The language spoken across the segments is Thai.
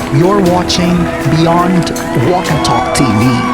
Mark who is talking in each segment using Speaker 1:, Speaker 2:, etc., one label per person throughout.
Speaker 1: You're watching Beyond Walk and Talk TV.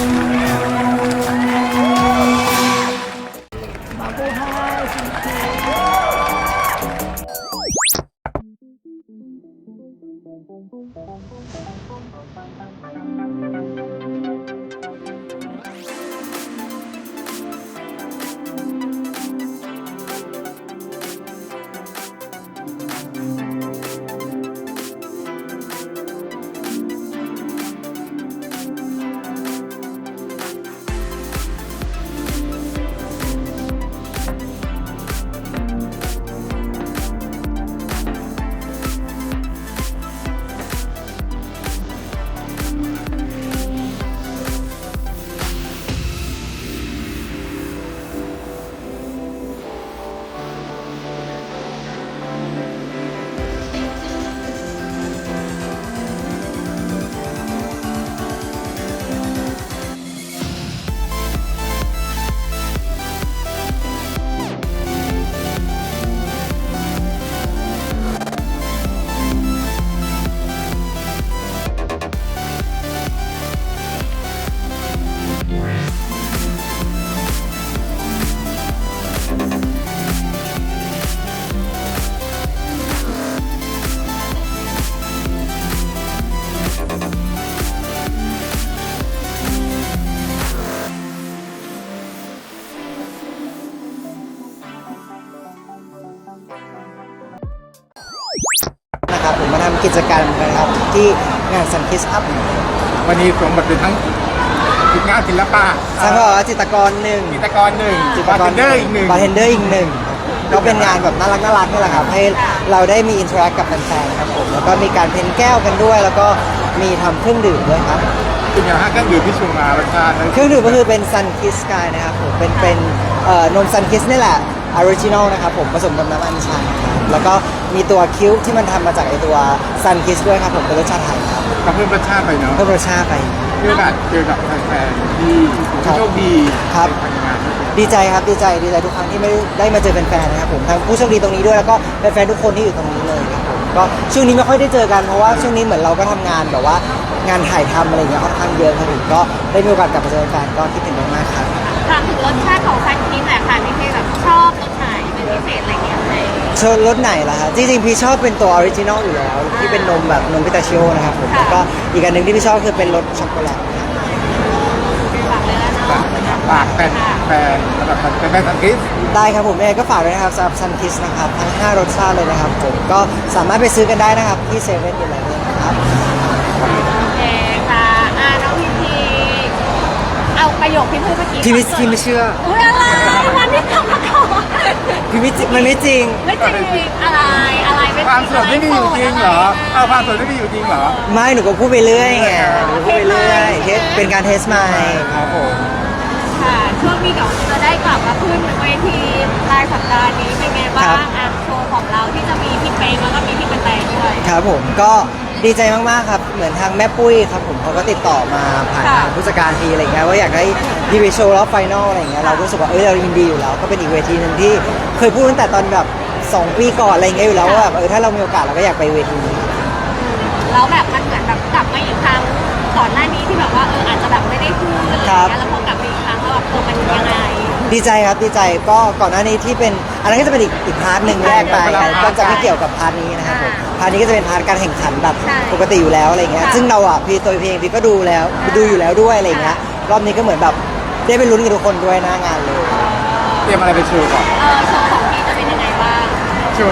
Speaker 2: นะครับผมมาทำกิจกรรมนะครับที่งาน Sun Kiss Up
Speaker 3: วันนี้สวมบทเป็นทั้งทีมงานศิลปะ
Speaker 2: แล้วก็จิตรกรหนึ่ง
Speaker 3: จิตรกรหนึ่งบาร์เทนเดอร์อีกหนึ่ง
Speaker 2: บาร์เทนเดอร์อีกหนึ่งก็เป็นงานแบบน่ารักนี่แหละครับให้เราได้มีอินเทอร์แอคกับแฟนๆครับผมแล้วก็มีการเพ้นแก้วกันด้วย แล้วก็มีทำเครื่องดื่มด้วยครับ
Speaker 3: คุณอย่างฮะเครื่องดื่มที่ชูมารสชาติ
Speaker 2: เครื่องดื่มก็คือเป็น Sun Kiss Sky นะครับผมเป็นนม Sun Kiss นี่แหละออริจินอลนะครับผมผสมกับน้ำอัญชันครับแล้วก็มีตัวคิ้วที่มันทำมาจากไอตัว Sun Kiss ด้วยครับผมเป็นรสชาติไทยครับ
Speaker 3: ก็เพิ่มรสชาติไปเนาะ
Speaker 2: เพิ่มรสชาติไป
Speaker 3: เพื่อแบบเจอกับแฟนๆที่โชคดี
Speaker 2: ครับ
Speaker 3: ในการงาน
Speaker 2: ดีใจครับดีใจทุกครั้งที่ไม่ได้มาเจอแฟนๆนะครับผมทั้งผู้โชคดีตรงนี้ด้วยแล้วก็แฟนๆทุกคนที่อยู่ตรงนี้เลยครับผมก็ช่วงนี้ไม่ค่อยได้เจอกันเพราะว่าช่วงนี้เหมือนเราก็ทำงานแบบว่างานถ่ายทำอะไรอย่างเงี้ยค่อนข้างเยอะครับผมก็ได้มีโอกาสกลับมาเจอแฟนๆก็คิดถึงมากๆครับ
Speaker 4: ถามถึงรสชาติของซันคิสหน่อยค่ะพี่เพแบบชอบรสไหนเป็นพิเศษอะไรเงี้ยไหม
Speaker 2: ชอบรสไหนล่ะฮะจริงๆพี่ชอบเป็นตัวออริจินอลอยู่แล้วที่เป็นนมแบบนมพิตาชิโอนะครับผมแล้วก็อีกอันหนึ่งที่พี่ชอบคือเป็นรสช็อกโกแลต
Speaker 4: ฝากเลยแล้วเนาะ
Speaker 3: ฝากแฟนสำหรับแฟนสังกิส
Speaker 2: ได้ครับผมยังไงก็ฝากด้วยนะครับสำหรับ Sun Kiss นะครับทั้ง5รสชาติเลยนะครับผมก็สามารถไปซื้อกันได้นะครับที่เซเว่นอะไรเนี่ยนะครับ
Speaker 4: โอเคค่ะน้องพีเอาประโยคที่พูดเมื่อกี้
Speaker 2: พี่ไม่เชื่อ
Speaker 4: อุ้ยอะไรวันที่ทำมาก่อน
Speaker 2: พี่ไม่จริงมันไม่จริง
Speaker 4: ไม่จริงอะไรเป็น
Speaker 3: ความสดไม่มีอยู่จริงเหรอเอาความสดไม่มีอยู่จริงเหรอ
Speaker 2: ไม่หนูก็พูดไปเรื่อยไงหนูก็พูดไปเรื่อยเป็นการเทสไมค์ครับผม
Speaker 4: ค่ะช่วงนี้เดี๋ยวจะได้กลับมาขึ้นเวทีปลายสัปดาห์นี้เป็นไงบ้างโชว์ของเราที่จะมีพี่เป๊กแล้วก็มีพี่กระแตด้วย
Speaker 2: ครับผมก็ดีใจมากๆครับเหมือนทางแม่ปุ้ยครับผมเขาก็ติดต่อมาผ่านทางผู้จัดการทีอะไรเงี้ยว่าอยากให้พี่ไปโชว์รอบไฟนอลอะไรเงี้ยเราก็รู้สึกว่าเรายินดีอยู่แล้วก็เป็นอีกเวทีหนึ่งที่เคยพูดตั้งแต่ตอนแบบ2 ปีก่อนอะไรเงี้ยอยู่แล้วว่าแบบถ้าเรามีโอกาสเราก็อยากไปเวทีนี้
Speaker 4: แล้วแบบมันเหมือนแบบกลับมาอีกครั้งก่อนหน้านี้ที่แบบว่าอาจจะแบบไม่ได้พูดอะไรอย่างเงี้ยแล้วพอกลับมาอีกครั้งแล้วแบบมันยังไง
Speaker 2: ดีใจครับดีใจก็ก่อนหน้านี้ที่เป็นอันนั้นก็จะเป็นอีกพาร์ทหนึ่งแรกไปก็จะไม่เกี่ยวกับพาร์ทนี้นะครับผมพาร์ทนี้ก็จะเป็นพาร์ทการแข่งขันแบบปกติอยู่แล้วอะไรเงี้ยซึ่งเราพี่ตัวเพลงพี่ก็ดูอยู่แล้วด้วยอะไรเงี้ยรอบนี้ก็เหมือนแบบได้ไปลุ้นกับทุกคนด้วยหน้างานเลย
Speaker 3: เตรียมอะไรไปโชว์ก่อน
Speaker 4: โชว์ของพี่จะเป็นยังไงบ้าง
Speaker 3: โชว์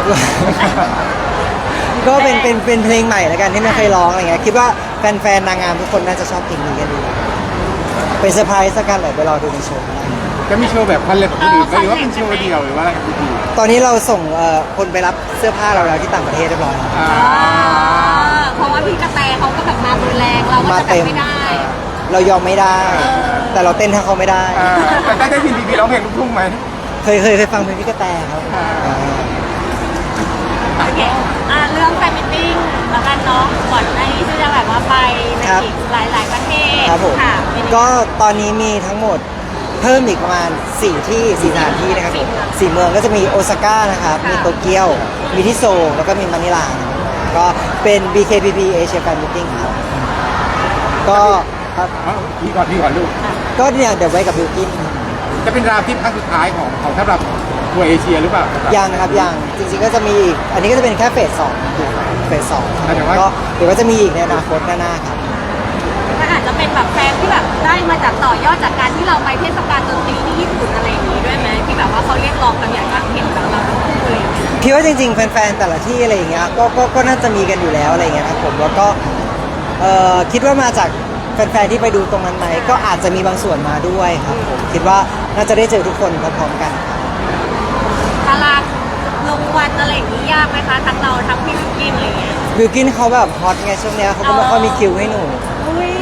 Speaker 2: ก็เป็นเพลงใหม่แล้วกันที่ไม่เคยร้องอะไรเงี้ยคิดว่าแฟนๆนางงามทุกคนน่าจะชอบเพลงนี้กันดีเป็นเซอร์ไพรส์สักกันเลยไปรอดูในโชว์
Speaker 3: จะมีโชว์แบบคอนเสิร์ตของคนอื่นไหมหรือว่าเป็นโชว์เดียวหรือว่าอะไรกับคนอื่น
Speaker 2: ตอนนี้เราส่งคนไปรับเสื้อผ้าเราแล้วที่ต่างประเทศเรียบร้อยแล้ว
Speaker 4: เพราะว่าพี่กระแตเขาก็แบบมารุนแรงเราก็จะแบบไม่ได้
Speaker 2: เรายอมไม่ได้ แต่เราเต้นถ้าเขาไม่ได้
Speaker 3: แต่ได้ยินดีๆร้องเพลงลูกทุ่งไหม
Speaker 2: เคยฟังเพลงพี่กระแตครับ
Speaker 4: โอเคเรื่องแฟนมิทติ้งแล้วกันเนาะก่อนหน้านี้ที่จะแบบว่าไปในอีกหลายประเทศ
Speaker 2: ครับผม
Speaker 4: ค่ะ
Speaker 2: ก็ตอนนี้มีทั้งหมดเพิ่มอีกประมาณ4สถานที่นะครับผม4 เมืองก็จะมีโอซาก้านะครับมีโตเกียวมีที่โซลแล้วก็มีมะนิลาก็เป็น BKPP Asia Fan Meeting ครับก็ครับ
Speaker 3: พี่ก่อนลูก
Speaker 2: ก็เนี่ยเดี๋ยวไว้กับบิวกิน
Speaker 3: จะเป็นราวที่ครั้งสุดท้ายของสำหรับทัวร์เอเชียหรือเปล่า
Speaker 2: ยังนะครับยังจริงๆก็จะมีอีกอันนี้ก็จะเป็นแค่เฟส2เฟส2
Speaker 3: แต่ว่า
Speaker 2: ก็เดี๋ยวก็จะมีอีกในอนาคตหน้าๆครับ
Speaker 4: มันอาจจะเป็นแบบแฟนที่แบบได้มาจากต่อยอดจากการที่เราไปเทศกาลดนตรีที่ญี่ปุ่นอะไรอย่างนี้ด้วยไหมที่แบบว่าเขาเรียกร้องกันอยากจะเห็นแบบเราทั้งคู่เลย
Speaker 2: พี่ว่าจริงๆแฟนๆแต่ละที่อะไรอย่างเงี้ยก็น่าจะมีกันอยู่แล้วอะไรอย่างเงี้ยครับผมแล้วก็คิดว่ามาจากแฟนๆที่ไปดูตรงนั้นไหมก็อาจจะมีบางส่วนมาด้วยครับผมคิดว่าน่าจะได้เจอทุกคนพร้อมๆกันครับ
Speaker 4: ตารางลงวันอะไรอย่างนี้ยากไหมคะทั้งเราทั้งพี่วิกกินอะไรอย่างเงี้ย
Speaker 2: บิวกินเขาแบบฮอตไงช่วงเนี้ยเขาก็ไม่ค่อยมีคิวให้หนู
Speaker 4: อุ้ย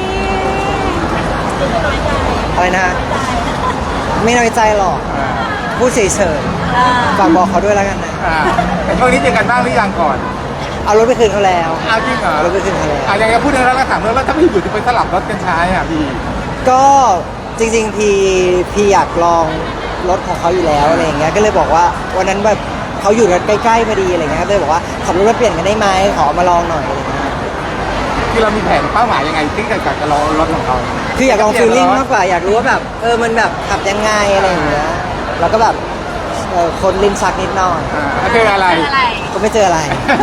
Speaker 2: อะไรนะฮะไม่น้อยใจหรอกพูดเฉย
Speaker 4: อ่า
Speaker 2: ๆฝากบอกเขาด้วยแล้วกันนะ
Speaker 3: แต่ช่วงนี้เจอกันบ้างหรือยังก่อน
Speaker 2: เอารถไปคืนเขาแล้ว
Speaker 3: เอาจริงเหรอ
Speaker 2: เอารถไปคืนเขาแล้ว
Speaker 3: อย่างพูดถึงแล้วก็ถามแล้วถ้าพี่อยู่จะไปสลับรถกันใช้อ่ะพี่
Speaker 2: ก็จริงๆพี่อยากลองรถของเขาอยู่แล้วอะไรอย่างเงี้ยก็เลยบอกว่าวันนั้นแบบเขาอยู่รถใกล้ๆพอดีอะไรเงี้ยก็เลยบอกว่าขับรถมาเปลี่ยนกันได้ไหมขอมาลองหน่อยอะไรเงี้ย
Speaker 3: ที่เรามีแผนเป้าหมายยังไงที่จะลองรถของเขา
Speaker 2: คืออยากลองฟีลลิ่งมากกว่าอยากรู้ว่าแบบมันแบบขับยังไงอะไรอย่างเงี้ยแล้วก็แบบคนลิ้นชักนิดหน่อย
Speaker 3: เจออะไร
Speaker 4: เป็นอะไร
Speaker 2: ก็ไม่เจออะไร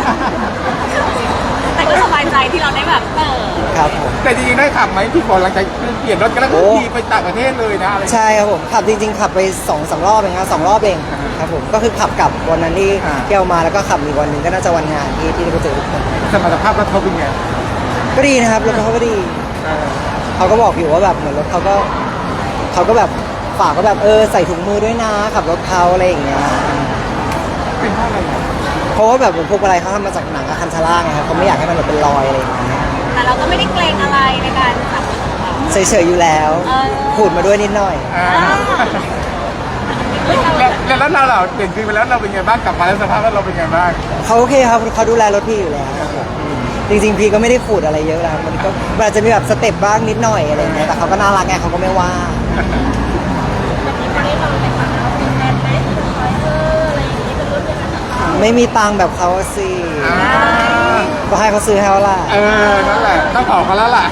Speaker 4: แต่ก็สบายใจที่เราได้แบบ
Speaker 2: ครับผม
Speaker 3: แต่จริงๆได้ขับไหมพี่ก่อนหลังจากเปลี่ยนรถกันแล้วก็ขี่ไปต่างประเทศเลยนะอะไร
Speaker 2: ใช่ครับผมขับจริงๆขับไป2-3 รอบเองครับ2 รอบเองครับผมก็คือขับกลับวันนั้นที่เที่ยวมาแล้วก็ขับอีกวันหนึ่งก็น่าจะวันงานที่ได้ไปเจอทุกคน
Speaker 3: สมรรถภาพรถเขาเป็นไง
Speaker 2: ก็ดีนะครับรถเขาก็ดีเขาก็บอกอยู่ว่าแบบเหมือนรถเขาก็แบบฝากก็แบบใส่ถุงมือด้วยนะขับรถเขาอะไรอย่างเงี้ย
Speaker 3: เป็นเพราะอะไรอ่ะ
Speaker 2: เพราะว่าแบบพวกอะไรเขาทำมาจากหนังอะคันชาร่าไงครับเขาไม่อยากให้มันแบบเป็นรอยอะไรอย่างเงี้ย
Speaker 4: แต่เราก็ไม่ได้เกรงอะไรในการขับรถของเรา
Speaker 2: เฉยๆอยู่แล้วพูดมาด้วยนิดหน่อย
Speaker 3: แล้วรถเราเปลี่ยนคืนไปแล้วเราเป็นไงบ้างกลับมาแล้วสภาพรถเราเป็นไงบ้าง
Speaker 2: เขาโอเคครับเขาดูแลรถพี่อยู่แล้วครับผมจริงๆพี่ก็ไม่ได้ขูดอะไรเยอะนะมันอาจจะมีแบบสเต็ปบ้างนิดหน่อยอะไรอย่างเงี้ยแต่เขาก็น่ารักไงเขาก็ไม่ว่า ไม่มีตังค์แบบเขาสิ ก็ให้เขาซื้อให้เขาล่ะ
Speaker 3: นั่นแหละต้องขอเขาแล้วล่ะ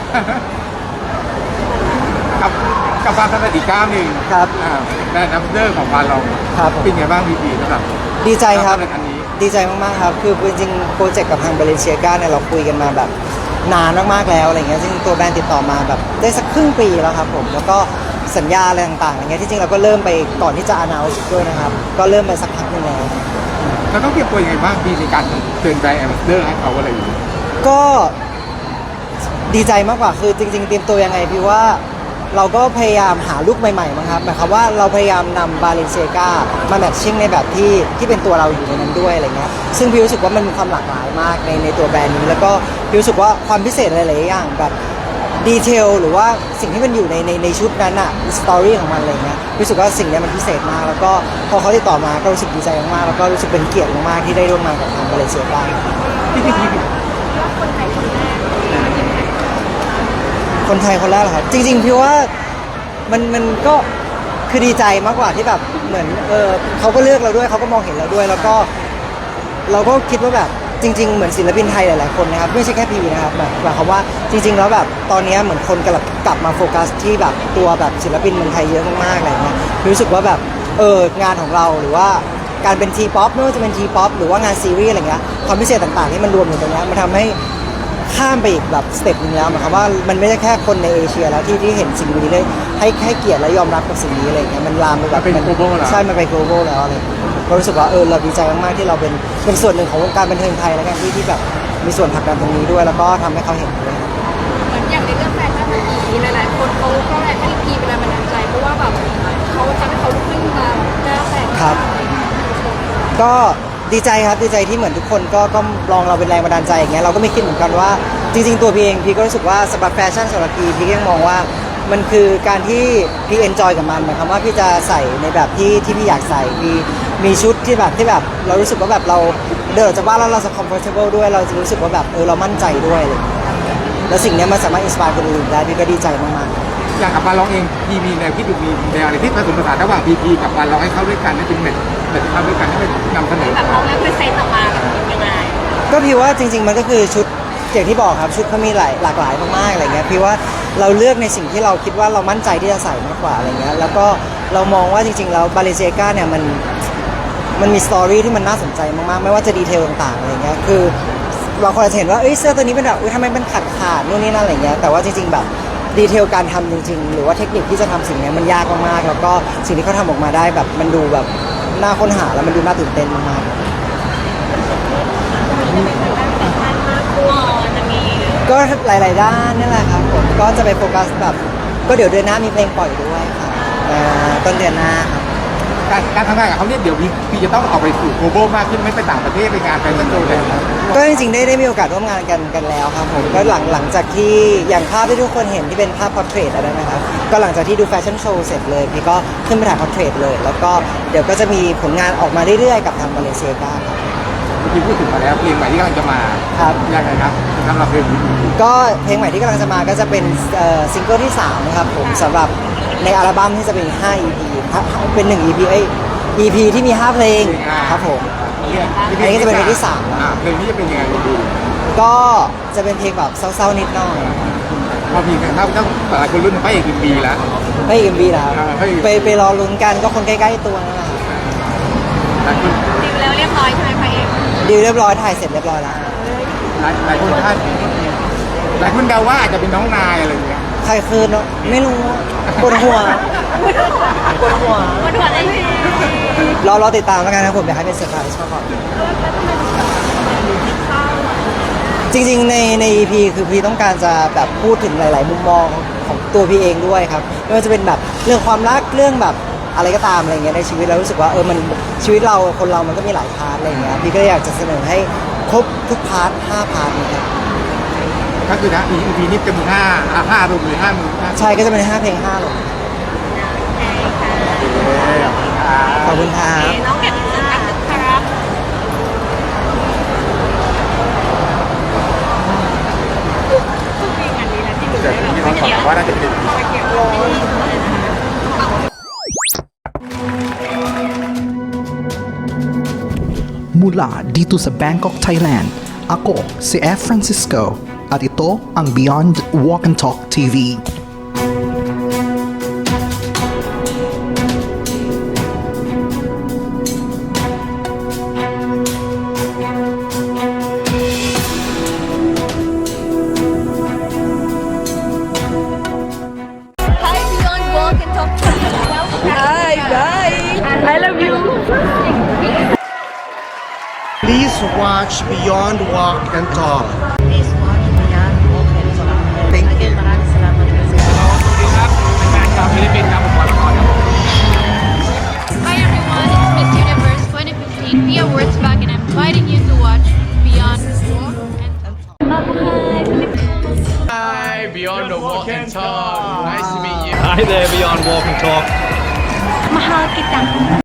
Speaker 3: กับความสำเร็จอีกก้าวหนึ่ง
Speaker 2: ครับ
Speaker 3: แบรนด์แอมบาสเดอร์ของบานเรา
Speaker 2: ครับผม
Speaker 3: เป็นไงบ้างพี่สำหรับ
Speaker 2: ดีใจครับ
Speaker 3: อันนี้
Speaker 2: ดีใจมากๆครับคือจริงๆโปรเจกต์กับทางเบเลนเซียกาเนี่ยเราคุยกันมาแบบนานมากๆแล้วอะไรเงี้ยซึ่งตัวแบรนด์ติดต่อมาแบบได้สักครึ่งปีแล้วครับผมแล้วก็สัญญาอะไรต่างๆอะไรเงี้ยที่จริงเราก็เริ่มไปก่อนที่จะ announce ด้วยนะครับก็เริ่มไปสักพักหนึงแล้ว
Speaker 3: เราต้องเตรียมตัวยังไงบ้างพี่ในการเชิญแบรนด์แอมบาสเดอร์ให้เขาอะไรอย่างนี้
Speaker 2: ก็ดีใจมากกว่าคือจริงๆเตรียมตัวยังไงพี่ว่าเราก็พยายามหาลุคใหม่ๆมั้งครับหมายความว่าเราพยายามนำบาเลนเซียกามาแมทชิ่งในแบบที่เป็นตัวเราอยู่ในนั้นด้วยอะไรเงี้ยซึ่งพี่รู้สึกว่ามันมีความหลากหลายมากในตัวแบรนด์นี้แล้วก็พี่รู้สึกว่าความพิเศษหลายๆอย่างแบบดีเทลหรือว่าสิ่งที่มันอยู่ในชุดนั้นอะสตอรี่ของมันอะไรเงี้ยรู้สึกว่าสิ่งนี้มันพิเศษมากแล้วก็พอเขาติดต่อมาก็รู้สึกดีใจมากๆแล้วก็รู้สึกเป็นเกียรติมากๆที่ได้ร่วมงานกับทางบาเลนเซียกา คนไทยคนแรกเหรอครับจริงๆพี่ว่ามันก็คือดีใจมากกว่าที่แบบเหมือนเขาก็เลือกเราด้วยเขาก็มองเห็นเราด้วย แล้วก็เราก็คิดว่าแบบจริงๆเหมือนศิลปินไทยหลายๆคนนะครับไม่ใช่แค่พีนะครับแบบหมายความว่าจริงๆแล้วแบบตอนนี้เหมือนคนกลับมาโฟกัสที่แบบตัวแบบศิลปินเมืองไทยเยอะมากๆอะไรเงี้ยรู้สึกว่าแบบงานของเราหรือว่าการเป็นทีป๊อปไม่ว่าจะเป็นทีป๊อปหรือว่างานซีรีส์อะไรเงี้ยความพิเศษต่างๆที่มันรวมอยู่ตรงนี้มันทำให้ข้ามไปอีกแบบสเต็ปนึงแล้วหมายความว่ามันไม่ใช่แค่คนในเอเชียแล้วที่เห็นสิ่งนี้เลยให้เกียรติและยอมรับกับสิ่งนี้อะไรเงี้ยมันลามไปแบบ
Speaker 3: มันเป็น global แล้ว
Speaker 2: ใช่มันไป global แล้วอะไรก็รู้สึกว่าเราดีใจมากๆที่เราเป็นส่วนหนึ่งของวงการบันเทิงไทยแล้วกันที่แบบมีส่วนผลักดันตรงนี้ด้วยแล้วก็ทำให้เขาเห็นด้วย
Speaker 4: เหมือนอย่างในเรื่องแฟชั่นเมื่อกี้หลายๆคนเขาก็ให้พีเป็นแรงบันดาลใจเพราะว่าแบบเขาทำให้เขาลุกขึ้นมาหน้าแตก
Speaker 2: ครับ ก็ดีใจครับดีใจที่เหมือนทุกคนก็ลองเราเป็นแรงบันดาลใจอย่างเงี้ยเราก็ไม่คิดเหมือนกันว่าจริงๆตัวพี่เองพี่ก็รู้สึกว่าสำหรับแฟชั่นสำหรับพี่ก็ยังมองว่ามันคือการที่พี่เอนจอยกับมันหมายความว่าพี่จะใส่ในแบบที่พี่อยากใส่พี่มีชุดที่แบบเรารู้สึกว่าแบบเราเดินออกจากบ้านแล้วเราจะ comfortable ด้วยเราจะรู้สึกว่าแบบเรามั่นใจด้วยอะไรอย่างเงี้ยแล้วสิ่งเนี้ยมันสามารถอินสปายคนอื่นได้พี่ก็ดีใจมากๆ
Speaker 3: อย่างกับบานร้องเองพี่มีแนวคิดดูมีแนวอะไรที่ผสมผสานระหว่างพีกับบานร้องให้เข้าด้วยกันให้เป็นแมทเข้าด้วยกันให้เป็นนำเสนอ
Speaker 4: แบบเราเลือกเป็นเซตออกมาแบบยังไง
Speaker 2: ก็พี่ว่าจริง ๆ มันก็คือชุดอย่างที่บอกครับชุดเขามีหลากหลายมากๆอะไรเงี้ยพี่ว่าเราเลือกในสิ่งที่เราคิดว่าเรามั่นใจที่จะใส่มากกว่าอะไรเงี้ยแล้วก็เรามองว่าจริงๆแล้วบาเลเซียกาเนี่ยมันมีสตอรี่ที่มันน่าสนใจมากๆไม่ว่าจะดีเทลต่างๆอะไรเงี้ยคือบางคนอาจจะเห็นว่าเสื้อตัวนี้เป็นแบบทำไมมันขาดนู่นนี่นั่นอะไรเงี้ยแต่ว่าจริงๆแบบดีเทลการทำจริงๆหรือว่าเทคนิคที่จะทำสิ่งนี้มันยากมากๆแล้วก็สิ่งที่เขาทำออกมาได้แบบมันดูแบบน่าค้นหาแล้วมันดูน่าตื่นเต้นมากๆ ก็หลาย ๆ ด้านนี่แหละครับผมก็จะไปโฟกัสแบบก็เดี๋ยวเดือนหน้ามีเพลงปล่อยด้วยครับต้นเดือนหน้าครับ
Speaker 3: การทำงานกับเขาเนี่ยเดี๋ยวพี่จะต้องออกไปสู่ global มากขึ้นไม่ไปต่างประเทศไปงานแฟชั่นโชว์แล้ว
Speaker 2: ก็จริง ๆ ได้มีโอกาสร่วมงานกันแล้วครับผมก็หลังจากที่อย่างภาพที่ทุกคนเห็นที่เป็นภาพพอร์เทรตอะไรนะครับก็หลังจากที่ดูแฟชั่นโชว์เสร็จเลยพี่ก็ขึ้นไปถ่ายพอร์เทรตเลยแล้วก็เดี๋ยวก็จะมีผลงานออกมาเรื่อย ๆ กับทางมาเลเซียครับ
Speaker 3: เมื่อกี้พูดถึงมาแล้วเพลงใหม่ที่กำลังจะมา
Speaker 2: ครับ
Speaker 3: ยังไงครับสำหรับเพลงนี้
Speaker 2: ก็เพลงใหม่ที่กำลังจะมาก็จะเป็นซิงเกิลที่3นะครับผมสำหรับในอัลบั้มที่จะเป็น5 EP เป็น1 EP EP ที่มี 5 เพลงครับผม อันนี้ก็จะเป็นเพลงที่3
Speaker 3: เพลงนี้จะเป็นยังไงดี
Speaker 2: ก็จะเป็นเพลงแบบเศร้าๆนิดหน่อย
Speaker 3: พอมีกันถ้าหลายคนรุ่นพระเอกปีแล้ว
Speaker 2: ไม่เอ็มบีแล้ว
Speaker 3: ไม่
Speaker 2: ไปรอลุ้นกันก็คนใกล้ๆตัวนั่นแหละครับ
Speaker 3: หลายคน
Speaker 4: ดิวแล้วเรียบร้อยใช่ไหมพระเอก
Speaker 2: ดีลเรียบร้อยถ่ายเสร็จเรียบร้อยแล้ว
Speaker 3: หลายคนหลายคนเดาว่าอาจจะเป็นน้องนายอะไรอย่างเงี้ย
Speaker 2: ใครคืนเนาะไม่รู้ปวดหัวปวดหัว
Speaker 4: วันหัวได้ดี
Speaker 2: รอติดตามแล้วกันนะผมอยากให้เป็นเซอร์ไพรส์ชอบก่อนจริงๆใน EP คือพี่ต้องการจะแบบพูดถึงหลาย ๆ มุมมองของตัวพี่เองด้วยครับไม่ว่าจะเป็นแบบเรื่องความรักเรื่องแบบอะไรก็ตามอะไรเงี้ยในชีวิตเรารู้สึกว่ามันชีวิตเราคนเรามันก็มีหลายพาร์ทอะไรเงี้ยพี่ก็เลยอยากจะเสนอให้ครบทุกพาร์ท5 พาร์ทนะครับ
Speaker 3: ก็คือนะ EP นี้จะมี5รวมเลย5 มือ
Speaker 2: ใช่ก็จะเป็น5 เพลง5หรอกขอบคุณครับ
Speaker 4: น้องเก็บอินเสิร์ตกันนะครับมีงานนี้แล้วที่ดู
Speaker 3: แต่
Speaker 4: ได้
Speaker 3: ที่
Speaker 4: แบบ
Speaker 3: เราบอกว่าน่าจะเป็น
Speaker 4: ไปเก็บร้อย
Speaker 1: Mula dito sa Bangkok, Thailand, ako si F. Francisco at ito ang Beyond Walk and Talk TV.
Speaker 4: Hi Beyond Walk and Talk Hi bye I love you
Speaker 5: Please watch Beyond Walk and Talk.
Speaker 6: Please watch Beyond Walk and Talk.
Speaker 5: Thank you.
Speaker 6: Again, maraming salamat kasi.
Speaker 3: ครับเป็นงานชาวฟิลิปปินส์ครับผมขอละครครับ
Speaker 7: Hi everyone, it's Miss Universe 2015 Pia Wurzbach and I'm inviting you to watch Beyond Walk and Talk.
Speaker 8: Hi, Beyond the Walk and Talk. Nice to meet you.
Speaker 9: Hi there, Beyond Walk and Talk.
Speaker 7: Mahal kitang